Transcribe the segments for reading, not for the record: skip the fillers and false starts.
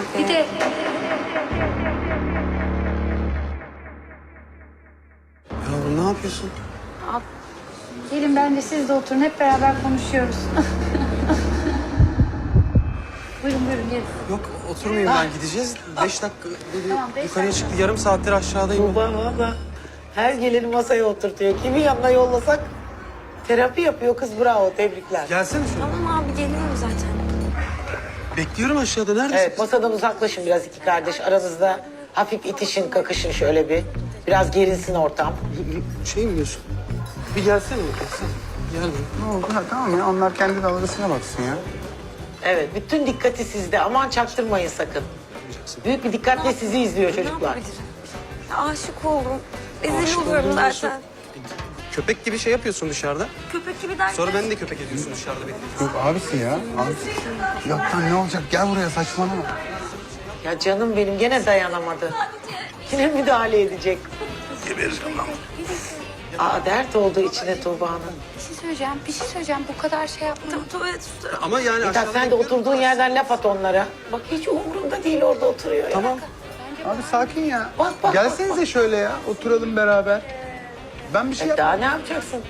Bir de Yavrum ne yapıyorsun? gelin bence siz de oturun. Hep beraber konuşuyoruz. Buyurun buyurun gelin. Yok oturmayayım ben gideceğiz. 5 dakika dedi, Tamam, beş yukarıya dakika. çıktı. Yarım saattir aşağıdayım. Tuğba valla her geleni masaya oturtuyor. Kimi yanına yollasak terapi yapıyor kız, bravo, tebrikler. Gelsene şöyle. Tamam abi geliyorum zaten. Bekliyorum aşağıda. Neredesin? Evet, masadan uzaklaşın biraz iki kardeş. Aranızda hafif itişin, kakışın şöyle bir. Biraz gerilsin ortam. Şey mi diyorsun? Bir gelsene bakayım. Gel buraya. Ne oldu? Ha, tamam ya, onlar kendi dalgasına baksın ya. Evet, bütün dikkati sizde. Aman çaktırmayın sakın. Büyük bir dikkatle sizi izliyor Ne çocuklar. yapabilirim? Ya, aşık oldum. Rezil Aşık oluyorum oldum diyorsun. zaten. Köpek gibi şey yapıyorsun dışarıda. Köpek gibi derken. Sonra beni de köpek ediyorsun dışarıda bekliyorsun. Yok abisi ya. Abisi. Yok lan ne olacak? Gel buraya, saçmalama. Ya canım benim gene dayanamadı. Yine müdahale edecek. Gebereceğim lan. Aa, dert oldu içine Tuğba'nın. Bir şey söyleyeceğim. Bu kadar şey yapmayın. Tuvalet tutarım. Ama yani Mithat aşağıda sen de bekliyorum. oturduğun yerden laf at onlara. Bak hiç umurunda değil, orada oturuyor ya. Tamam. Abi sakin ya. Bak, Gelsenize şöyle ya. Oturalım beraber. Ben bir şey Daha ne yapacaksın?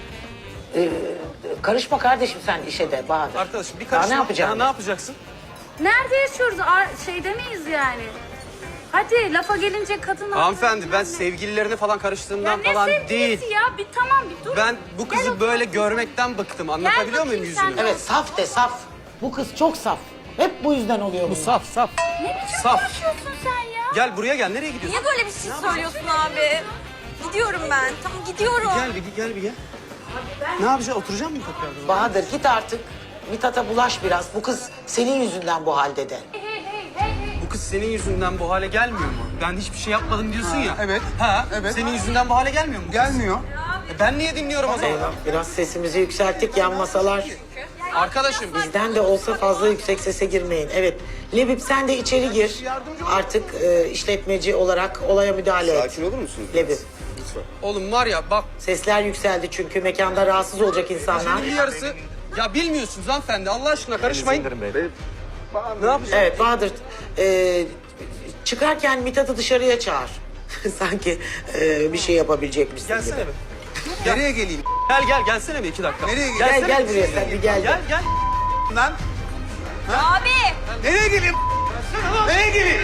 Karışma kardeşim sen işe de Bahadır. Arkadaşım bir Daha karışma. ne yapacaksın? Ne yapacaksın? Nerede yaşıyoruz? Şeyde miyiz yani? Hadi lafa gelince kadın... Hanımefendi ben sevgililerine falan karıştığımdan Ya ne falan sevgilisi değil. ya? Bir tamam bir dur. Ben bu kızı böyle görmekten bıktım. Anlatabiliyor muyum bakayım sen yüzünü? de. Evet, saf de saf. Bu kız çok saf. Hep bu yüzden oluyor bu. Saf saf. Ne biçim Saf. konuşuyorsun sen ya? Gel buraya gel. Nereye gidiyorsun? Niye böyle bir şey söylüyorsun abi? Gidiyorum ben. Tamam gidiyorum. Gel bir gel. Ne yapacağız? Oturacak mısın tekrardan? Bahadır git artık. Mithat'a bulaş biraz. Bu kız senin yüzünden bu halde de. Bu kız senin yüzünden bu hale gelmiyor mu? Ben hiçbir şey yapmadım diyorsun ya. evet. Ha, Evet. Senin yüzünden bu hale gelmiyor mu? Gelmiyor. Ben niye dinliyorum o zaman? Eyvah, biraz sesimizi yükselttik, yan masalar. Arkadaşım. Bizden de olsa fazla yüksek sese girmeyin. Evet, Lebip sen de içeri gir. Artık işletmeci olarak olaya müdahale et. Sakin olur musunuz? Lebip. Lütfen. Oğlum var ya bak. Sesler yükseldi çünkü mekanda rahatsız olacak insanlar. Bir yarısı. Ya bilmiyorsunuz hanımefendi. Allah aşkına karışmayın. Ne yapacağız? Evet Bahadır, çıkarken Mithat'ı dışarıya çağır. Sanki bir şey yapabilecekmişsin Gelsene gibi. bir. Nereye geleyim? Gel gelsene bir 2 dakika. Nereye geleyim? Gel Gelsene gel buraya sen bir gel. Gel. Lan? Abi. Nereye geleyim? Nereye geleyim?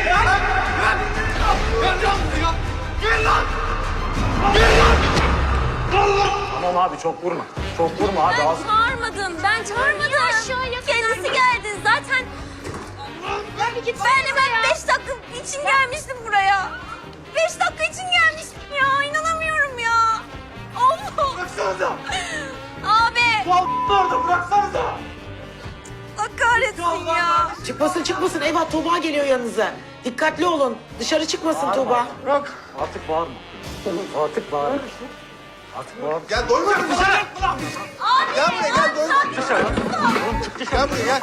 Tamam abi çok vurma. Çok vurma abi. Az... Ben çağırmadım. Ben çağırmadım. Kendisi geldi. Zaten ben 5 dakika için gelmiştim buraya. 5 dakika için gelmiştim ya. İnanamıyorum ya. Allah. Bıraksanıza. Abi. Orada bıraksanıza. Allah kahretsin ya. Çıkmasın eyvah, Tuğba geliyor yanınıza. Dikkatli olun, dışarı çıkmasın Tuğba. Bırak. Artık bağırma. Artık bağırma. Artık bağırma. Gel doyma dışarı. Abi. Gel buraya gel doyma. Dışarı. Oğlum çık dışarı. Gel buraya gel.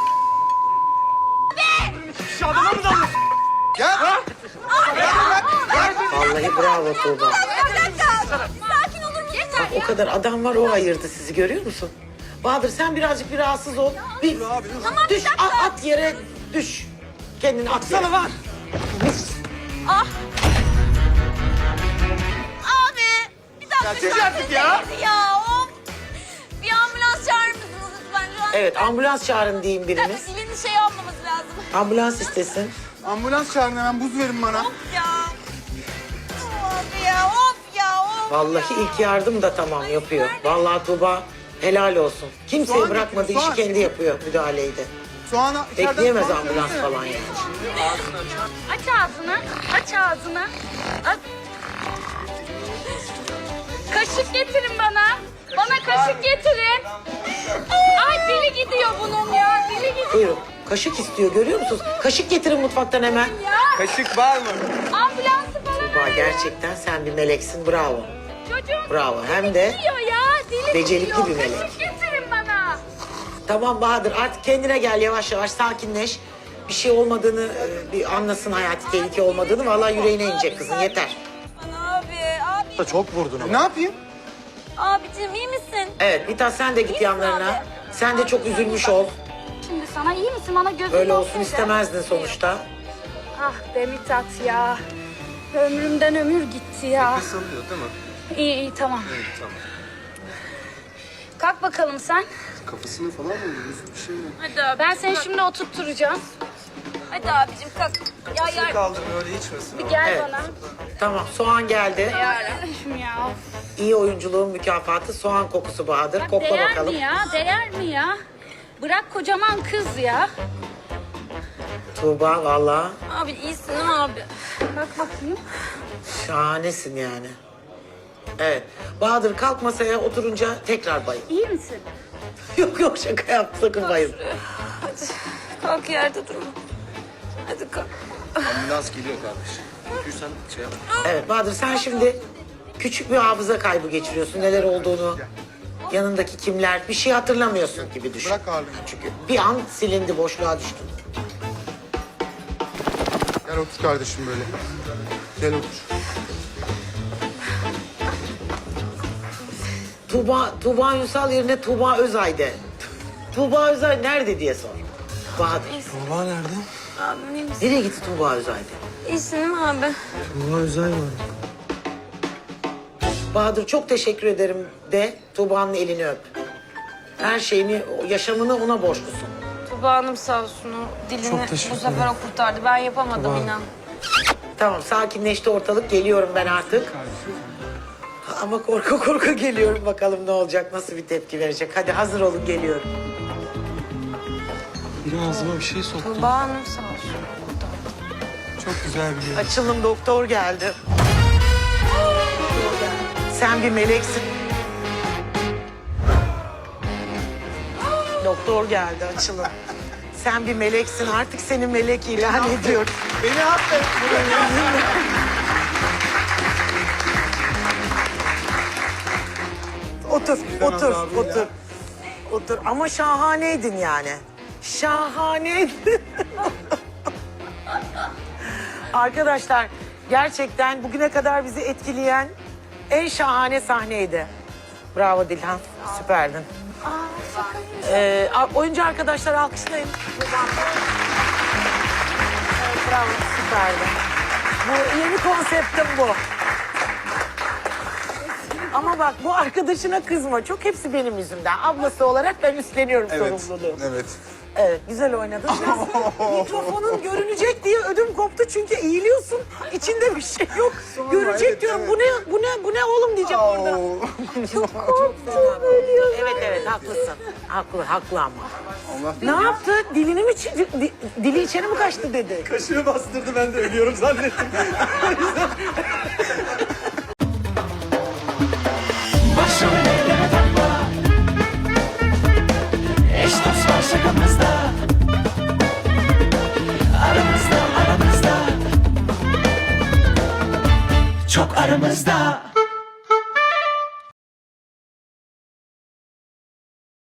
Kişi adama mı dalıyorsun? Gel. Vallahi bravo Tuğba. Bir dakika. Sakin olur musun? Yeter O kadar adam var, o ayırdı sizi, görüyor musun? Bahadır sen birazcık bir rahatsız ol. Bir düş, at yere düş. Kendini at yere. Sana var. Ah. Abi. Bir dakika. Çek artık ya. Ya of. Bir ambulans çağırır mısınız lütfen? Şu an Evet, ambulans çağırın diyeyim biriniz. dilini şey yapmamız lazım. Ambulans istesin. Ambulans çağırın hemen, buz verin bana. Of ya. Of ya, of ya, of Vallahi ya. ilk yardım da tamam yapıyor. Vallahi Tuğba helal olsun. Kimseye Soğan bırakmadı, getir, işi soğan. kendi yapıyor, müdahaleyi de. Soğanı içeriden Bekleyemez soğan ambulans söylesene. falan yani. Aç ağzını. Aç ağzını. Aç. Kaşık getirin bana. Bana kaşık getirin. Ay dili gidiyor bunun ya. Dili gidiyor Buyurun. Kaşık istiyor, görüyor musunuz? Kaşık getirin mutfaktan hemen. ya. Kaşık var mı? Ambulansı falan Tuğba gerçekten sen bir meleksin, bravo. Çocuğum Bravo, hem de gidiyor ya. Dili becerikli gidiyor. bir melek. Kaşık getirin bana. Tamam Bahadır, artık kendine gel, yavaş yavaş sakinleş. Bir şey olmadığını bir anlasın, hayati tehlike olmadığını. Vallahi yüreğine inecek kızın, yeter. Abi. Çok vurdun ama. Ne yapayım? Abicim iyi misin? Evet, Mithat sen de git İyisin yanlarına. abi. Sen de çok üzülmüş ol. Şimdi sana iyi misin? Bana gözün Öyle olsun olsun de. istemezdin sonuçta. Ah be Mithat ya. Ömrümden ömür gitti ya. Nefes alıyor değil mi? İyi iyi tamam. Evet tamam. Kalk bakalım sen. Kafasını falan mı vuruyoruz? Bir şey mi? Hadi abi. Ben seni şimdi oturtturacağım. Hadi abicim kalk. Ya Kaldır öyle içmesin. Bir gel Evet. bana. Tamam, soğan geldi. Yarabbim ya. İyi oyunculuğun mükafatı soğan kokusu Bahadır. Kokla Değer bakalım. mi ya? Değer mi ya? Bırak kocaman kız ya. Tuğba valla abi iyisin değil mi abi? Bak bakayım. şahanesin yani. Evet. Bahadır kalk masaya oturunca tekrar bayıl. İyi misin? Yok yok şaka yaptım, sakın bayıl. Hadi kalk yerde durma. Hadi kalk. Ambulans geliyor kardeşim. Yürürsen şey yap. Evet Bahadır sen şimdi küçük bir hafıza kaybı geçiriyorsun. Neler olduğunu, yanındaki kimler, bir şey hatırlamıyorsun gibi düşün. Bırak ağırlığını. Çünkü bir an silindi, boşluğa düştün. Gel otur kardeşim böyle. Gel otur. Tuğba Ünsal yerine Tuğba Özay'de. Tuğba Özay nerede diye sor. Bahadır. Tuğba nerede? Abim iyi misin? Nereye gitti Tuğba Özay'de? İyisin değil mi abi? Tuğba Özay var. Bahadır çok teşekkür ederim de Tuğba'nın elini öp. Her şeyini, yaşamını ona borçlusun. Tuba Hanım sağ olsun o dilini Çok teşekkür bu sefer o kurtardı. Ben yapamadım inan. Tamam sakinleşti ortalık, geliyorum ben artık. Ama korku korku geliyorum, bakalım ne olacak, nasıl bir tepki verecek. Hadi hazır olun, geliyorum. Biri ağzıma bir şey soktu. Tuba Hanım sağ olsun. Çok güzel bir yer. Açılım doktor geldi. Sen bir meleksin. Doktor geldi açılım. Sen bir meleksin, artık seni melek ilan ediyorum. Beni affet. Otur, otur, otur. Otur ama şahaneydin yani. Şahaneydin. Arkadaşlar gerçekten bugüne kadar bizi etkileyen en şahane sahneydi. Bravo Dilhan, süperdin. Oyuncu arkadaşlar alkışlayın. Evet, bravo, süperdin. Bu yeni konseptim bu. Ama bak bu arkadaşına kızma. Çok hepsi benim yüzümden. Ablası olarak ben üstleniyorum sorumluluğu. Evet. Evet, güzel oynadın. Biraz mikrofonun görünecek diye ödüm koptu çünkü eğiliyorsun. İçinde bir şey yok. Görecek evet, diyorum. evet. Bu ne oğlum diyeceğim orada. Çok korktum. Evet, haklısın. Haklı ama. Allah Ne yaptı? Dilini mi dili içeri mi kaçtı dedi. Kaşığı bastırdı, ben de ölüyorum zannettim. Başım ellere takma. Eş dost var şakamızda. Aramızda. Çok aramızda.